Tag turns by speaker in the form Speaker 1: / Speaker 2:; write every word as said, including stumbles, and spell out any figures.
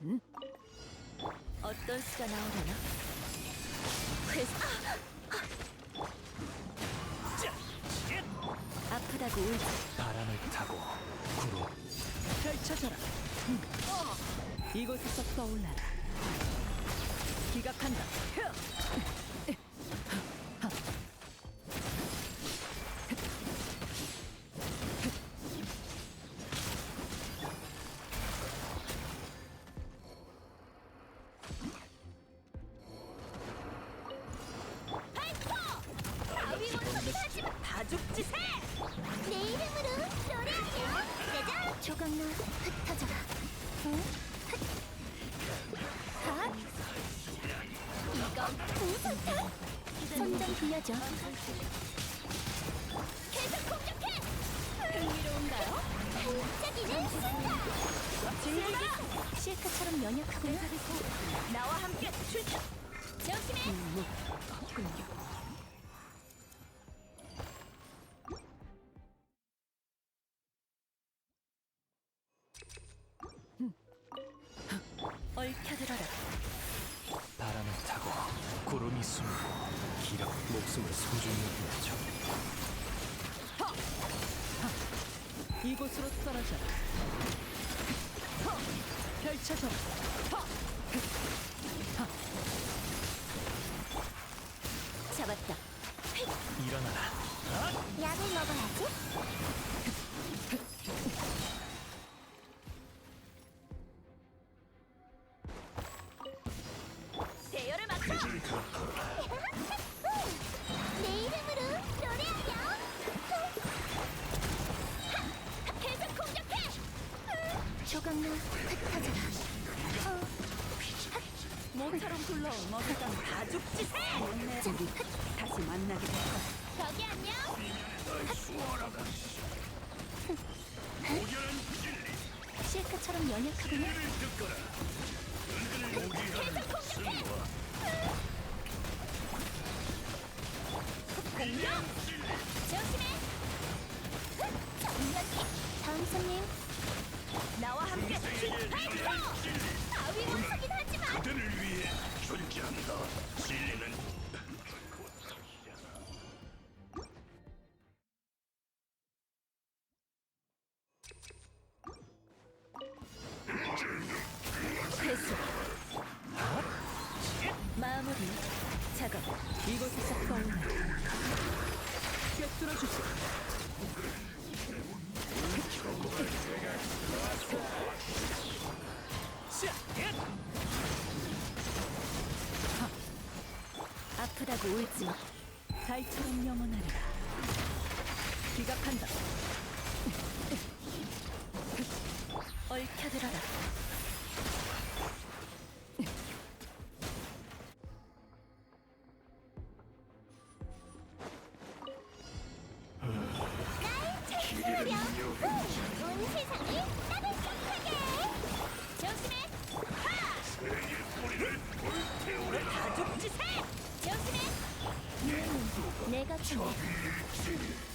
Speaker 1: 응? 어떤 수가 나오려나? 회수. 아프다고 울지.
Speaker 2: 바람을 타고 구름
Speaker 1: 펼쳐져라. 응. 이곳에서 떠올라라. 기각한다. 다 죽지 새!
Speaker 3: 내 이름으로 노래하렴. 짜잔! 조각로 흩어져라. 응? 핫! 이건 공선탄! 손좀 빌려줘. 계속 공격해! 흥미로운가요? 반짝이는 순간! 즐기기! 실크처럼 연약하구나.
Speaker 1: 나와 함께 출격!
Speaker 3: 조심해!
Speaker 1: 없군요. 얽혀들어라.
Speaker 2: 바람을 타고 구름이 숨고 기력 목숨을 소중히 여겨
Speaker 1: 이곳으로 떨어져라. 펼쳐져라.
Speaker 3: 잡았다.
Speaker 2: 일어나라.
Speaker 3: 약을 먹어야지.
Speaker 1: 대열을 맞춰!
Speaker 3: 내 이름으로 노래하렴. 계속 공격해. 조각로 흩어져라.
Speaker 1: 모처럼 굴러온 머사장 다 죽지 새! 우리 다시 만나게 될 거야.
Speaker 3: 저기 안녕. 실크처럼 연약하구나. 계속 공격해.
Speaker 1: 공격!
Speaker 3: 조심해. 정면기. 다음 손님.
Speaker 1: 나와 함께 출격!
Speaker 3: 바위 원석이긴 하지만
Speaker 4: 그들을 위해 존재한다. 진리는
Speaker 1: 회수. 마무리 작업. 이곳에서 떠올라. 꿰뚫어 주시. 아프다고 울지 마. 달처럼 영원하리라. 기각한다. 얽혀들어라.
Speaker 3: 찾으렴. 온 세상이 따뜻하게. 조심해.
Speaker 4: 새의 뿌리를 불태우라.
Speaker 1: 다 죽지 새!
Speaker 3: 조심해. 내가 참
Speaker 4: 일진